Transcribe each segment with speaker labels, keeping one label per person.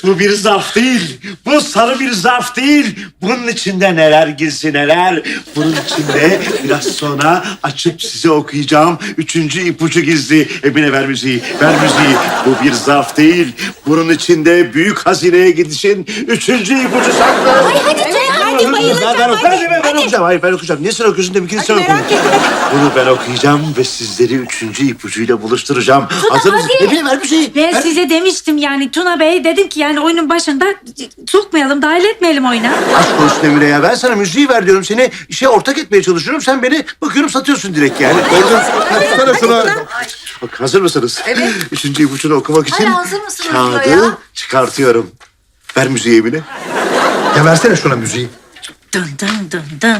Speaker 1: Bu bir zarf değil. Bu sarı bir zarf değil. Bunun içinde neler gizli neler. Bunun içinde biraz sonra açıp size okuyacağım. Üçüncü ipucu gizli. Emine ver müziği, ver müziği. Bu bir zarf değil. Bunun içinde büyük hazineye gidişin üçüncü ipucu saklı.
Speaker 2: Ay hadi Tuna, hadi bayılacağım.
Speaker 1: Ben okuyacağım. Hayır ben okuyacağım. Niye sen okuyorsun? Demin sen okuyun. Bunu ben okuyacağım ve sizleri üçüncü ipucuyla buluşturacağım. Hazır mısın? Emine ver müziği.
Speaker 2: Ben size demiştim yani Tuna Bey, dedim ki yani oyunun başında sokmayalım, dahil etmeyelim oyuna.
Speaker 1: Aşk olsun Emine ya. Ben sana müziği ver diyorum. Seni işe ortak etmeye çalışıyorum. Sen beni bakıyorum satıyorsun direkt yani. Gördün mü? Bak hazır mısınız? Evet. Üçüncü ipucunu okumak için
Speaker 3: Hala hazır mısınız
Speaker 1: kağıdı
Speaker 3: ya?
Speaker 1: çıkartıyorum. Ver müziği Emine.
Speaker 4: Ya versene şuna müziği.
Speaker 2: Dın dın dın dın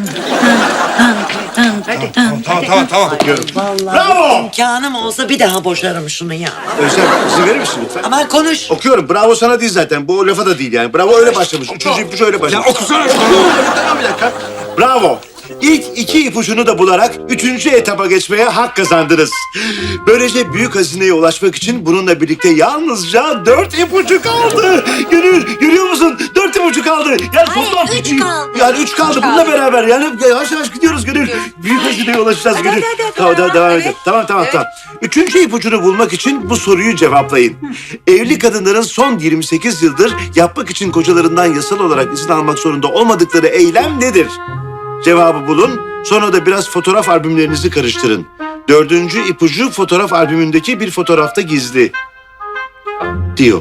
Speaker 2: dın.
Speaker 4: Tamam.
Speaker 1: Bravo!
Speaker 5: İmkanım olsa bir daha boşarım şunu ya.
Speaker 1: Özlem izin verir misin lütfen?
Speaker 5: Aman konuş.
Speaker 1: Okuyorum. Bravo sana değil zaten. Bu lafa da değil yani. Bravo öyle başlamış. Üçüncü ipucu öyle başlamış.
Speaker 4: Ya okusana şunu.
Speaker 1: Tamam bir dakika. Bravo. İlk iki ipucunu da bularak üçüncü etapa geçmeye hak kazandınız. Böylece büyük hazineye ulaşmak için bununla birlikte yalnızca 4 ipucu kaldı. Gönül, görüyor musun? 4 ipucu kaldı. Yani toplam
Speaker 3: 3 kaldı.
Speaker 1: Yani 3 kaldı. Bununla beraber yani yavaş yavaş gidiyoruz Gönül. Büyük hazineye ulaşacağız Gönül. Tamam, devam edelim. Tamam. Üçüncü ipucunu bulmak için bu soruyu cevaplayın. Evli kadınların son 28 yıldır yapmak için kocalarından yasal olarak izin almak zorunda olmadıkları eylem nedir? Cevabı bulun. Sonra da biraz fotoğraf albümlerinizi karıştırın. Dördüncü ipucu fotoğraf albümündeki bir fotoğrafta gizli. Diyor.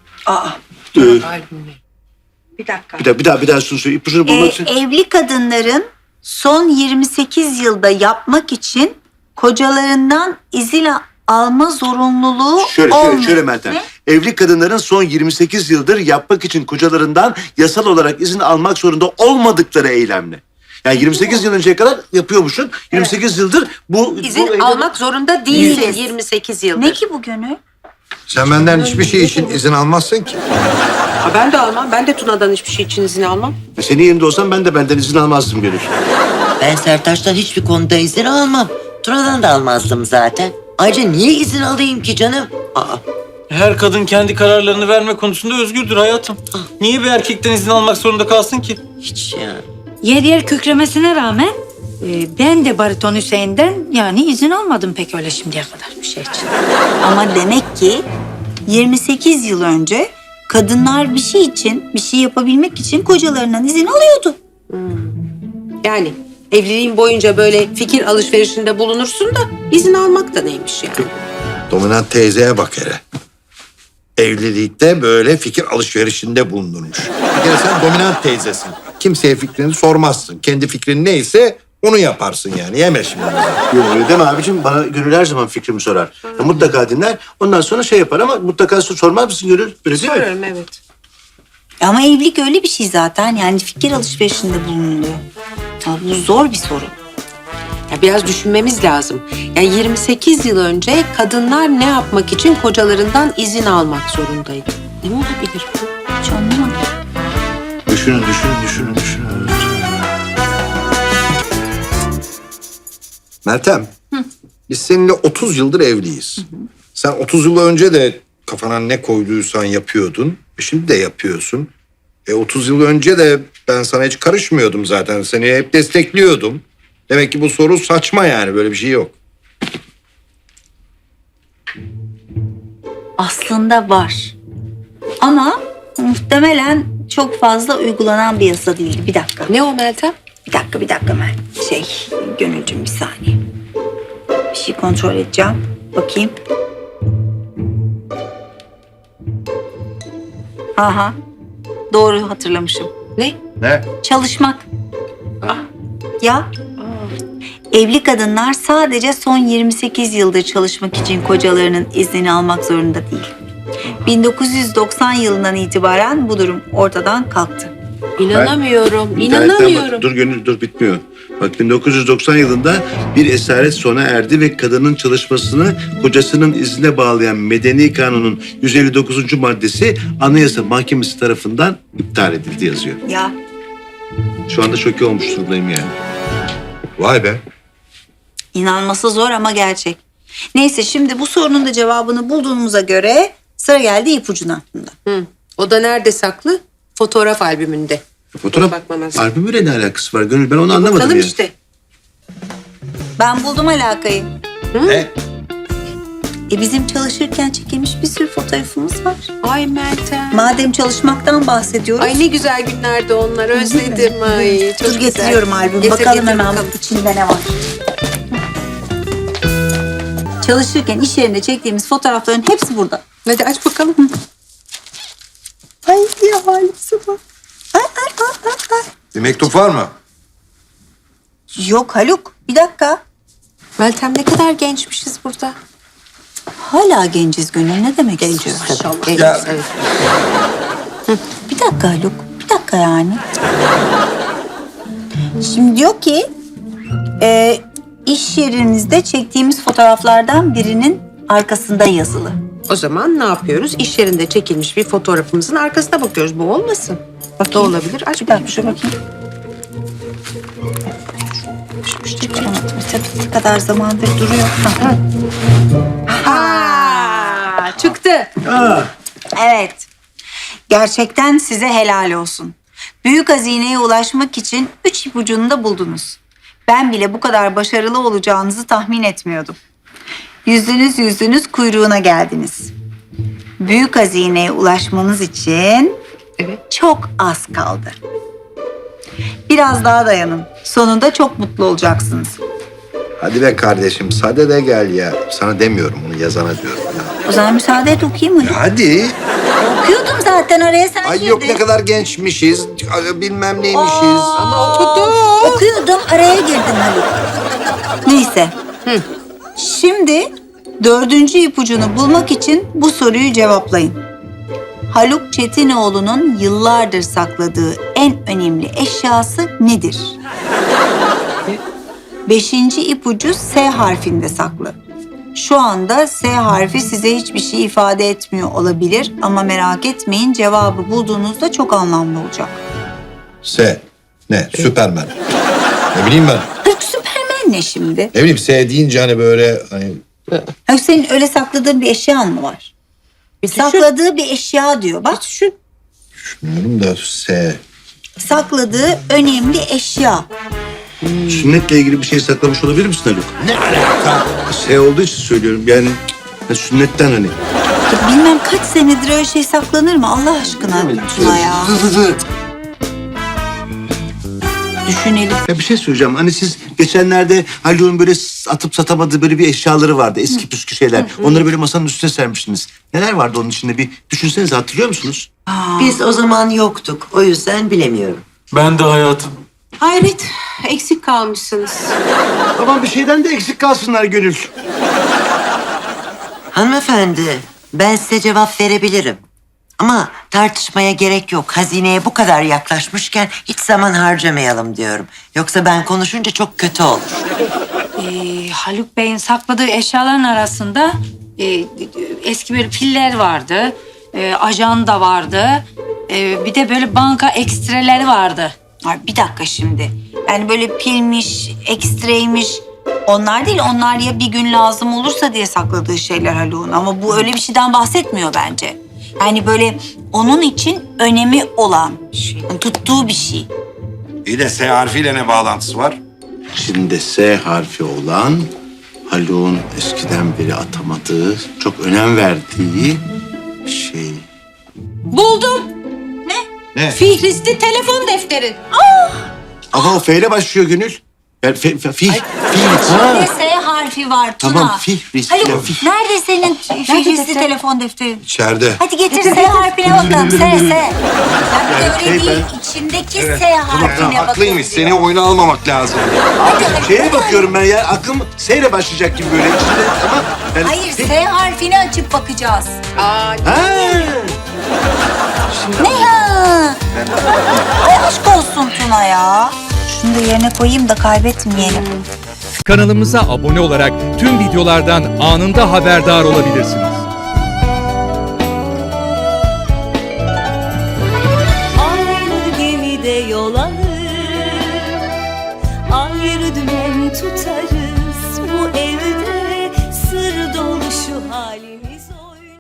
Speaker 2: Bir dakika.
Speaker 1: Bir daha şunu söyle. İpucunu bulmak için.
Speaker 3: Evli kadınların son 28 yılda yapmak için kocalarından izin alma zorunluluğu olmuyor.
Speaker 1: Şöyle Meltem.
Speaker 3: Ne?
Speaker 1: Evli kadınların son 28 yıldır yapmak için kocalarından yasal olarak izin almak zorunda olmadıkları eylemle. Yani 28 yıl önceye kadar yapıyormuşsun. 28 yıldır bu
Speaker 6: İzin almak zorunda değilsin 28 yıldır.
Speaker 3: Ne ki bu Gönül?
Speaker 4: Sen benden hiçbir şey için izin almazsın ki.
Speaker 6: Ha, ben de almam. Ben de Tuna'dan hiçbir şey için izin almam.
Speaker 1: Senin yerinde olsam ben de benden izin almazdım Gönül.
Speaker 5: Ben Sertaç'tan hiçbir konuda izin almam. Tuna'dan da almazdım zaten. Ayrıca niye izin alayım ki canım?
Speaker 7: Her kadın kendi kararlarını verme konusunda özgürdür hayatım. Niye bir erkekten izin almak zorunda kalsın ki?
Speaker 5: Hiç ya.
Speaker 2: Yer yer kükremesine rağmen ben de bariton Hüseyin'den yani izin almadım pek öyle şimdiye kadar bir şey için.
Speaker 3: Ama demek ki 28 yıl önce kadınlar bir şey için, bir şey yapabilmek için kocalarından izin alıyordu.
Speaker 6: Yani evliliğin boyunca böyle fikir alışverişinde bulunursun da izin almak da neymiş yani?
Speaker 4: Dominant teyzeye bak hele. Evlilikte böyle fikir alışverişinde bulunurmuş. Bir kere sen dominant teyzesin. Kimseye fikrini sormazsın. Kendi fikrin neyse onu yaparsın yani. Yeme şimdi.
Speaker 1: Yok öyle deme abicim. Bana Gönül her zaman fikrimi sorar. Ya, mutlaka dinler. Ondan sonra şey yapar ama mutlaka sormaz mısın Gönül? Öyle değil mi?
Speaker 6: Sorarım evet.
Speaker 3: Ama evlilik öyle bir şey zaten. Yani fikir alışverişinde bulunuluyor. Ya bu zor bir soru.
Speaker 6: Ya biraz düşünmemiz lazım. Yani 28 yıl önce kadınlar ne yapmak için kocalarından izin almak zorundaydı? Ne olabilir bu?
Speaker 3: Hiç anlamadım.
Speaker 1: Düşünün.
Speaker 4: Meltem, biz seninle 30 yıldır evliyiz. Sen 30 yıl önce de kafana ne koyduysan yapıyordun. Şimdi de yapıyorsun. 30 yıl önce de ben sana hiç karışmıyordum zaten. Seni hep destekliyordum. Demek ki bu soru saçma yani. Böyle bir şey yok.
Speaker 3: Aslında var. Ama muhtemelen çok fazla uygulanan bir yasa değildi. Bir dakika.
Speaker 6: Ne o Meltem?
Speaker 3: Bir dakika Mel. Gönülcüm bir saniye. Bir şey kontrol edeceğim. Bakayım. Aha. Doğru hatırlamışım.
Speaker 6: Ne?
Speaker 4: Ne?
Speaker 3: Çalışmak. Ya. Evli kadınlar sadece son 28 yıldır çalışmak için kocalarının iznini almak zorunda değil. 1990 yılından itibaren bu durum ortadan kalktı.
Speaker 6: İnanamıyorum.
Speaker 1: İnternetten
Speaker 6: İnanamıyorum.
Speaker 1: bak. Dur Gönül dur bitmiyor. Bak 1990 yılında bir esaret sona erdi ve kadının çalışmasını kocasının iznine bağlayan Medeni Kanun'un 159. maddesi Anayasa Mahkemesi tarafından iptal edildi yazıyor.
Speaker 3: Ya.
Speaker 1: Şu anda şoke olmuş durumdayım yani.
Speaker 4: Vay be.
Speaker 3: İnanması zor ama gerçek. Neyse şimdi bu sorunun da cevabını bulduğumuza göre sıra geldi ipucuna.
Speaker 6: O da nerede saklı? Fotoğraf albümünde.
Speaker 1: Fotoğraf
Speaker 6: Bakmam lazım.
Speaker 1: albümüyle ne alakası var Gönül? Ben onu anlamadım
Speaker 6: Bakalım
Speaker 1: ya.
Speaker 6: işte.
Speaker 3: Ben buldum alakayı.
Speaker 4: Ne?
Speaker 3: Bizim çalışırken çekilmiş bir sürü fotoğrafımız var.
Speaker 6: Ay Meltem.
Speaker 3: Madem çalışmaktan bahsediyoruz.
Speaker 6: Ay ne güzel günlerdi onlar. Özledim. Ay çok
Speaker 3: Dur
Speaker 6: güzel.
Speaker 3: getiriyorum albümü.
Speaker 6: Getir,
Speaker 3: Bakalım
Speaker 6: getir
Speaker 3: hemen
Speaker 6: bakalım.
Speaker 3: içinde ne var. Çalışırken iş yerinde çektiğimiz fotoğrafların hepsi burada.
Speaker 6: Hadi aç bakalım.
Speaker 3: Ay ya halisi bak. Ay ay ay ay ay.
Speaker 4: Bir mektup var mı?
Speaker 3: Yok Haluk, bir dakika.
Speaker 6: Meltem ne kadar gençmişiz burada.
Speaker 3: Hala genciz Gönül. Ne demek genciz?
Speaker 6: Maşallah.
Speaker 4: Ya-
Speaker 6: Evet.
Speaker 3: Bir dakika Haluk. Bir dakika yani. Şimdi diyor ki iş yerinizde çektiğimiz fotoğraflardan birinin arkasında yazılı.
Speaker 6: O zaman ne yapıyoruz? İş yerinde çekilmiş bir fotoğrafımızın arkasına bakıyoruz. Bu olmasın. Bak da olabilir. Aç
Speaker 3: Bir dakika şu bakayım. Çıkaramadım. Tabii ne kadar zamandır duruyor.
Speaker 6: Aa, çıktı.
Speaker 3: Evet. Gerçekten size helal olsun. Büyük hazineye ulaşmak için 3 ipucunu da buldunuz. Ben bile bu kadar başarılı olacağınızı tahmin etmiyordum. Yüzdünüz kuyruğuna geldiniz. Büyük hazineye ulaşmanız için çok az kaldı. Biraz daha dayanın. Sonunda çok mutlu olacaksınız.
Speaker 4: Hadi be kardeşim sade de gel ya. Sana demiyorum bunu yazana diyorum ya.
Speaker 3: O zaman müsaade et okuyayım mı?
Speaker 4: Hadi.
Speaker 3: Okuyordum zaten araya sen
Speaker 4: Ay
Speaker 3: girdin.
Speaker 4: yok ne kadar gençmişiz. Bilmem neymişiz.
Speaker 6: Ama okudu.
Speaker 3: Okuyordum araya girdin Haluk. Neyse. Şimdi 4. ipucunu bulmak için bu soruyu cevaplayın. Haluk Çetinoğlu'nun yıllardır sakladığı en önemli eşyası nedir? 5. ipucu S harfinde saklı. Şu anda S harfi size hiçbir şey ifade etmiyor olabilir ama merak etmeyin cevabı bulduğunuzda çok anlamlı olacak.
Speaker 4: S. Ne? Süpermen. Ne bileyim ben.
Speaker 3: Haluk Süpermen ne şimdi?
Speaker 4: Ne bileyim S deyince hani böyle hani
Speaker 3: Haluk senin öyle sakladığın bir eşyan mı var? Sakladığı bir eşya diyor bak.
Speaker 6: Düşün.
Speaker 4: bilmiyorum da S.
Speaker 3: Sakladığı önemli eşya.
Speaker 1: Sünnetle ilgili bir şey saklamış olabilir misin Haluk? Ne alaka? Şey olduğu için söylüyorum yani sünnetten hani.
Speaker 3: Bilmem kaç senedir öyle şey saklanır mı Allah aşkına Tuna ya? Düşünelim.
Speaker 1: Ya bir şey söyleyeceğim. Hani siz geçenlerde Haluk'un böyle atıp satamadığı böyle bir eşyaları vardı. Eski püskü şeyler. Onları böyle masanın üstüne sermiştiniz. Neler vardı onun içinde bir düşünsenize hatırlıyor musunuz?
Speaker 5: Biz o zaman yoktuk. O yüzden bilemiyorum.
Speaker 7: Ben de hayatım.
Speaker 6: Hayret. Eksik kalmışsınız.
Speaker 1: Aman bir şeyden de eksik kalsınlar Gönül.
Speaker 5: Hanımefendi, ben size cevap verebilirim. Ama tartışmaya gerek yok. Hazineye bu kadar yaklaşmışken hiç zaman harcamayalım diyorum. Yoksa ben konuşunca çok kötü olur.
Speaker 2: Haluk Bey'in sakladığı eşyaların arasında eski böyle piller vardı. Ajanda vardı. Bir de böyle banka ekstreleri vardı.
Speaker 3: Ay, bir dakika şimdi. Yani böyle pilmiş, ekstreymiş. Onlar değil, onlar ya bir gün lazım olursa diye sakladığı şeyler Haluk'un. Ama bu öyle bir şeyden bahsetmiyor bence. Yani böyle onun için önemi olan, tuttuğu bir şey.
Speaker 4: İyi de S harfiyle ne bağlantısı var?
Speaker 1: İçinde S harfi olan Haluk'un eskiden beri atamadığı, çok önem verdiği şey.
Speaker 6: Buldum.
Speaker 4: Ne?
Speaker 6: Fihristi telefon defteri.
Speaker 1: Ama o F ile başlıyor Gönül. Yani
Speaker 3: İçinde S harfi var Tuna.
Speaker 1: Tamam, Fihristi.
Speaker 3: Haluk, nerede senin Fihristi telefon defterin?
Speaker 4: İçeride.
Speaker 3: Hadi getir S harfine bakalım. S. Ya bir de öyle
Speaker 1: şey
Speaker 3: değil. İçindeki S harfine bakalım.
Speaker 4: Haklıymış. Seni oyuna almamak lazım.
Speaker 1: Şeye bakıyorum ben ya aklım S ile başlayacak gibi böyle içinde ama yani
Speaker 3: Hayır, S harfini açıp bakacağız.
Speaker 6: Aa,
Speaker 1: Ha.
Speaker 3: Ne ya? Ay aşk olsun Tuna ya. Şunu da yerine koyayım da kaybetmeyelim.
Speaker 8: Kanalımıza abone olarak tüm videolardan anında haberdar olabilirsiniz.